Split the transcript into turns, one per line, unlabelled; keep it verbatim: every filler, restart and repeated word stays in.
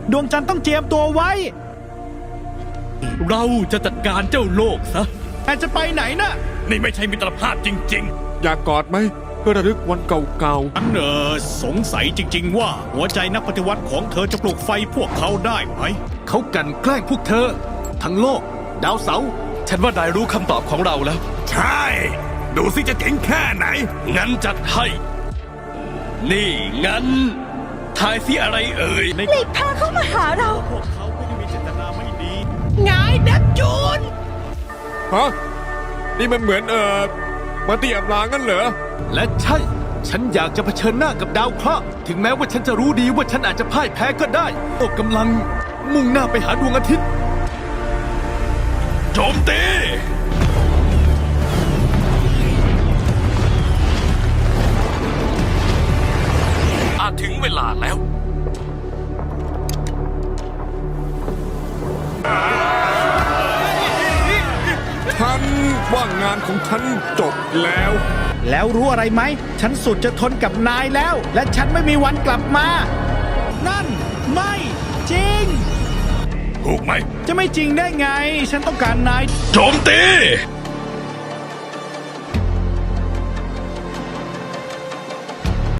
ดวงจันทร์ต้องเจียมตัวไว้
เราจะจัดการเจ้าโลกซะ
แต่จะไปไหนนะ
นี่ไม่ใช่มิตรภาพจริง
อยากกอดไหมเพื่อระลึกวันเก่า
ๆฉันเออสงสัยจริงๆว่าหัวใจนักปฏิวัติของเธอจะปลุกไฟพวกเขาได้ไหม
เขากันแกล้งพวกเธอทั้งโลกดาวเสาร์ฉันว่านายรู้คำตอบของเราแล้ว
ใช่ดูสิจะเจ๋งแค่ไหน
งั้นจัดให้นี่งั้นทายสิอะไรเอ่ย
หลีกทางเข้ามาหาเรา
พวกเขาไม่ได้มีเจตนาไม่ดี
ไงเนปจูน
ๆฮะนี่มันเหมือนเอ่อมาตีอับลางั้นเหรอ
และใช่ฉันอยากจะเผชิญหน้ากับดาวเคราะห์ถึงแม้ว่าฉันจะรู้ดีว่าฉันอาจจะพ่ายแพ้ก็ได้โลกกำลังมุ่งหน้าไปหาดวงอาทิตย์โจมตีอาจถึงเวลาแล้ว
ฉันว่างานของฉันจบแล้ว
แล้วรู้อะไรไหมฉันสุดจะทนกับนายแล้ว และฉันไม่มีวันกลับมา นั่นไม่จริง
ถูกไหม
จะไม่จริงได้ไง ฉันต้องการนาย
โจมตี